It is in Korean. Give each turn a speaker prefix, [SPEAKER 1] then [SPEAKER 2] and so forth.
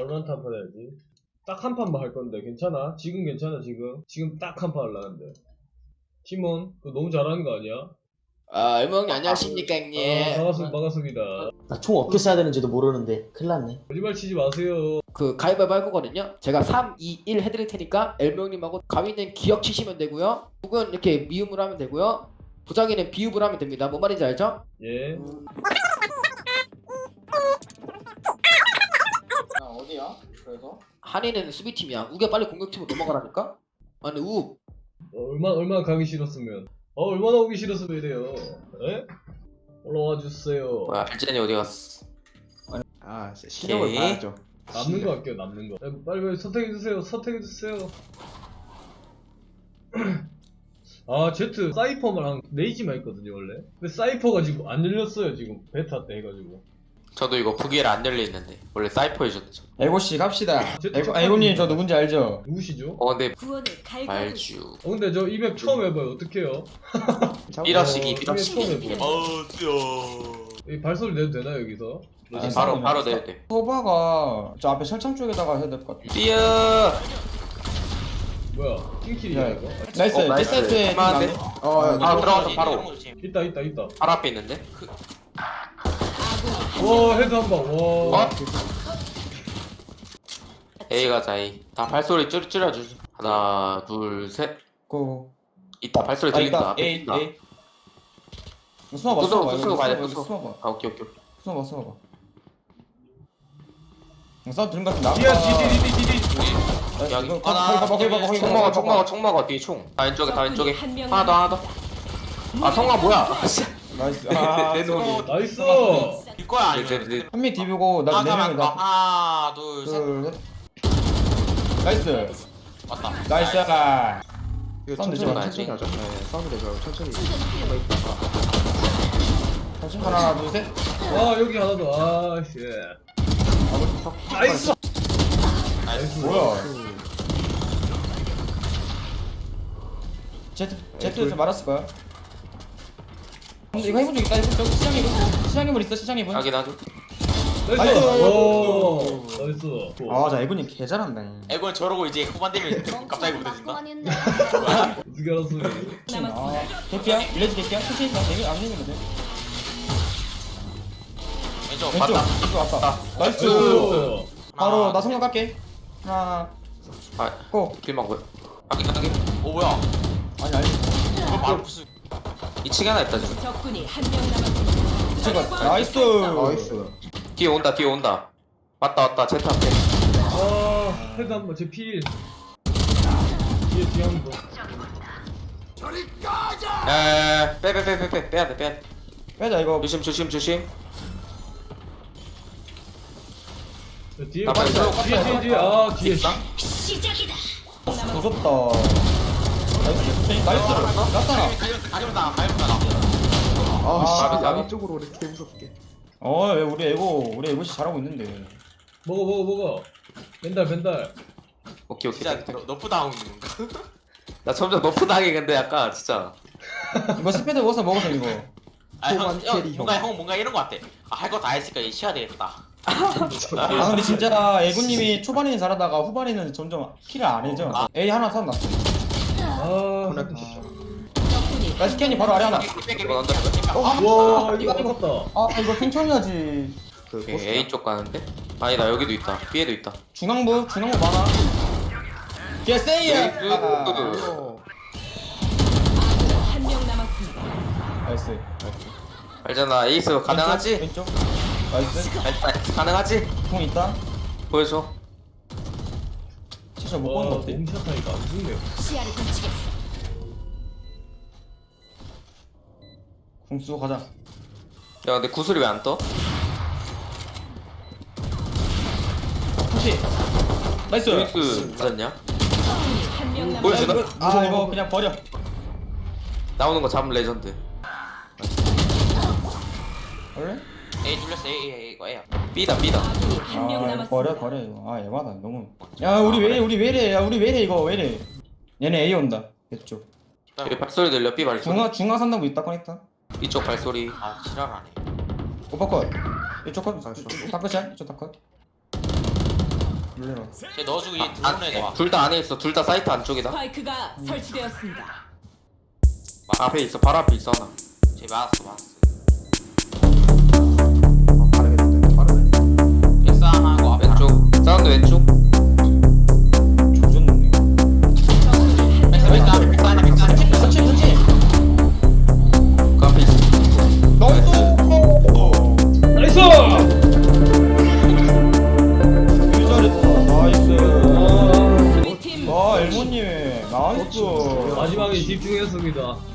[SPEAKER 1] 발로란트 한 판 해야지. 딱 한 판만 할 건데 괜찮아? 지금 괜찮아 지금 딱 한 판 하려는데. 팀원 그거 너무 잘하는 거 아니야?
[SPEAKER 2] 일몽이 안녕하십니까 형님.
[SPEAKER 1] 반갑습니다.
[SPEAKER 3] 나 총 어떻게 써야 되는지도 모르는데 큰일 났네.
[SPEAKER 1] 거짓말 치지 마세요.
[SPEAKER 2] 그 가위바위보 할 거거든요. 제가 3, 2, 1 해드릴 테니까 엘몽님하고 가위는 기억 치시면 되고요. 북은 이렇게 미음으로 하면 되고요. 부장이는 비읍으로 하면 됩니다. 뭔 말인지 알죠?
[SPEAKER 1] 예.
[SPEAKER 4] 어디야? 그래서?
[SPEAKER 2] 한이는 수비팀이야. 우겨 빨리 공격팀으로 넘어가라니까? 아니 우
[SPEAKER 1] 얼마나 가기 싫었으면. 얼마나 오기 싫었으면 이래요. 에? 올라와 주세요.
[SPEAKER 5] 뭐야 알젠이 어디 갔어?
[SPEAKER 4] 아, 실력을
[SPEAKER 5] 오케이.
[SPEAKER 4] 봐야죠.
[SPEAKER 1] 남는 거 할게요, 남는 거. 빨리 선택해주세요. 아, 제트 사이퍼만 레이지만 했거든요, 원래. 근데 사이퍼가 지금 안 열렸어요, 지금. 베타 때 해가지고.
[SPEAKER 5] 저도 이거 부기엘 안 열려있는데 원래 사이퍼 해줬죠.
[SPEAKER 4] 에고씨 갑시다. 에고님 저 누군지 알죠?
[SPEAKER 1] 누구시죠?
[SPEAKER 5] 근데
[SPEAKER 6] 구원을 갈고
[SPEAKER 5] 말주
[SPEAKER 1] 근데 저 이 맵 처음 해봐요. 어떡해요?
[SPEAKER 5] 삐러시기
[SPEAKER 1] 이 맵 처음 해봐요.
[SPEAKER 5] 어우쓰요.
[SPEAKER 1] 이 발소리 내도 되나, 여기서?
[SPEAKER 5] 바로 내야 돼.
[SPEAKER 4] 소바가 저 앞에 철창 쪽에다가 해야 될 것 같아.
[SPEAKER 5] 삐어.
[SPEAKER 1] 뭐야, 킹킬이야, 이거?
[SPEAKER 4] 나이스.
[SPEAKER 5] 나이스.
[SPEAKER 4] 디사이트에
[SPEAKER 5] 할만한데?
[SPEAKER 4] 아,
[SPEAKER 5] 들어가서 바로
[SPEAKER 1] 있다.
[SPEAKER 5] 바로 앞에 있는데.
[SPEAKER 1] 와, 헤드 한 방. 와.
[SPEAKER 5] A 가자 A. 다 발소리 줄여주지. 하나 둘셋.
[SPEAKER 4] 고.
[SPEAKER 5] 이따 발소리 들린다. 앞에
[SPEAKER 4] 에이,
[SPEAKER 5] 있다.
[SPEAKER 4] 에이. 숨어봐,
[SPEAKER 5] 부숴,
[SPEAKER 4] 숨어봐.
[SPEAKER 5] 부수고 가야 돼, 부숴.
[SPEAKER 4] 숨어봐.
[SPEAKER 5] 아 오케이.
[SPEAKER 4] 숨어봐. 싸움 들은 것 같은데.
[SPEAKER 1] 뒤야, 뒤.
[SPEAKER 5] 여기.
[SPEAKER 4] 거기 봐.
[SPEAKER 5] 총 먹어 뒤에 총. 다 왼쪽에.
[SPEAKER 6] 한 명
[SPEAKER 5] 하나 더. 아 성광 뭐야?
[SPEAKER 4] 나이스.
[SPEAKER 5] 내 놈이.
[SPEAKER 1] 나이스!
[SPEAKER 7] 이거야 아니면
[SPEAKER 4] 한명 디비고 나 4명이다.
[SPEAKER 7] 하나 둘셋
[SPEAKER 4] 둘, 셋. 나이스.
[SPEAKER 7] 맞다.
[SPEAKER 4] 나이스.
[SPEAKER 2] 이거
[SPEAKER 4] 싸움 되지
[SPEAKER 5] 천천히
[SPEAKER 4] 마.
[SPEAKER 5] 가야지.
[SPEAKER 2] 하자. 네, 싸우면 되죠. 천천히.
[SPEAKER 4] 하나, 둘, 셋.
[SPEAKER 1] 아, 여기 하나 더. 아, 씨. 나이스!
[SPEAKER 4] 뭐야? 제트에서 말았을 거야. 근데 이거 해본 적 있다. 저기 시장님은 있어. 시장님은.
[SPEAKER 5] 확인하죠.
[SPEAKER 1] 나이스!
[SPEAKER 4] 나이스!
[SPEAKER 1] 오, 나이스.
[SPEAKER 4] 아, 자 에고님 개 잘한다.
[SPEAKER 7] 에고는 저러고 이제 후반 되면 갑자기 못해진다.
[SPEAKER 1] 어떻게 알았어?
[SPEAKER 6] 남았습니다.
[SPEAKER 4] 개피야? 일레지 개피야? 천천히 나 되게 안 되면 돼.
[SPEAKER 7] 왼쪽
[SPEAKER 4] 왼쪽.
[SPEAKER 7] 맞다.
[SPEAKER 4] 왼쪽 왔다. 나이스.
[SPEAKER 1] 나이스!
[SPEAKER 4] 바로 나 성공 갈게. 하나,
[SPEAKER 5] 아
[SPEAKER 4] 고.
[SPEAKER 5] 길막 뭐야? 확인.
[SPEAKER 7] 오 뭐야?
[SPEAKER 4] 아니.
[SPEAKER 7] 이거 바로 무슨
[SPEAKER 5] 2층에 하나 있다 지금.
[SPEAKER 6] 적군이 한 명 남았습니다.
[SPEAKER 4] 제가 나이스.
[SPEAKER 5] 뒤에 온다. 왔다 제트 앞에.
[SPEAKER 1] 아, 헤드 한 번, 제 필. 뒤에 한 번.
[SPEAKER 5] 빼. 빼야 돼.
[SPEAKER 4] 빼자 이거.
[SPEAKER 5] 조심.
[SPEAKER 1] 뒤에,
[SPEAKER 5] 나 빨리
[SPEAKER 1] 뒤에. 아, 뒤에.
[SPEAKER 6] 시작이다.
[SPEAKER 4] 무섭다. 나이스. 났잖아.
[SPEAKER 7] 가져온다.
[SPEAKER 4] 아,
[SPEAKER 5] 나비
[SPEAKER 2] 쪽으로 이렇게 무섭게.
[SPEAKER 4] 왜 우리 에고 씨 잘하고 있는데.
[SPEAKER 1] 먹어. 벤달.
[SPEAKER 5] 오케이.
[SPEAKER 7] 진짜 너프 당하는 건가?
[SPEAKER 5] 나 점점 너프 당해 근데 약간 진짜.
[SPEAKER 4] 이거 스페드 먹어서 이거.
[SPEAKER 7] 뭔가 이런 거 같아. 할 거 다 했으니까 이제 쉬어야 되겠다.
[SPEAKER 4] 아 근데 진짜 에고님이 초반에는 잘하다가 후반에는 점점 킬을 안 해줘. A 하나 탔나?
[SPEAKER 1] 아,
[SPEAKER 6] 적군이
[SPEAKER 4] 나 스캔이 바로 아래 하나.
[SPEAKER 5] 이거 난다.
[SPEAKER 1] 와, 이거 아깝다.
[SPEAKER 4] 아 이거 천천히하지.
[SPEAKER 5] 오케이, A 쪽 가는데? 아니다 여기도 있다. B에도 있다.
[SPEAKER 4] 중앙부 많아. 얘 세이야.
[SPEAKER 6] 한 명 남았습니다.
[SPEAKER 4] 나이스.
[SPEAKER 5] 알잖아 에이스 가능하지?
[SPEAKER 4] 왼쪽. 나이스.
[SPEAKER 5] 가능하지?
[SPEAKER 4] 공 있다.
[SPEAKER 5] 보여줘.
[SPEAKER 4] 진짜 못 보는 거 어때?
[SPEAKER 1] 홈샷하니까 안 죽네요.
[SPEAKER 6] 시야를 훔치겠어.
[SPEAKER 4] 공 쓰고 가자.
[SPEAKER 5] 야 근데 구슬이 왜 안 떠?
[SPEAKER 4] 혹시 나이스.
[SPEAKER 5] 에이스 맞았냐?
[SPEAKER 6] 적군이 한 명
[SPEAKER 5] 보여주나?
[SPEAKER 6] 남았습니다.
[SPEAKER 4] 아 이거 그냥 버려.
[SPEAKER 5] 나오는 거 잡으면 레전드.
[SPEAKER 4] 원래?
[SPEAKER 7] A 눌렸어. A 이거 A야.
[SPEAKER 5] B다.
[SPEAKER 6] 아군이 한 명 남았습니다.
[SPEAKER 4] 버려 이거. 아 에바다 너무. 야 우리 왜 이래 이거 왜 이래? 얘네 A 온다. 이쪽.
[SPEAKER 5] 여기 발소리 들려 B 발소리.
[SPEAKER 4] 중앙 산다고 있다 꺼냈다.
[SPEAKER 5] 이쪽 발소리.
[SPEAKER 7] 아 지랄하네.
[SPEAKER 4] 오빠 컷. 이쪽 컷. 다 끝이야. 이쪽 다 컷. 놀래라.
[SPEAKER 7] 쟤 넣어주고 얘 들어오는 애들 와.
[SPEAKER 5] 둘 다 안에 있어. 둘 다 사이트 안쪽이다.
[SPEAKER 6] 스파이크가 설치되었습니다.
[SPEAKER 5] 앞에 있어. 바로 앞에 있어 하나.
[SPEAKER 7] 쟤 맞았어.
[SPEAKER 5] 빠르겠다. 빠르네.
[SPEAKER 7] 일상하고 앞에
[SPEAKER 5] 왼쪽. 사운드 왼쪽.
[SPEAKER 4] 조졌네.
[SPEAKER 7] 백사.
[SPEAKER 3] 선치 선치.
[SPEAKER 5] 그 앞에 있어.
[SPEAKER 1] 나이스!
[SPEAKER 4] 되게 잘했다. 나이스.
[SPEAKER 6] 우리 팀
[SPEAKER 4] 와, 엘모님. 나이스.
[SPEAKER 1] 마지막에 집중했습니다.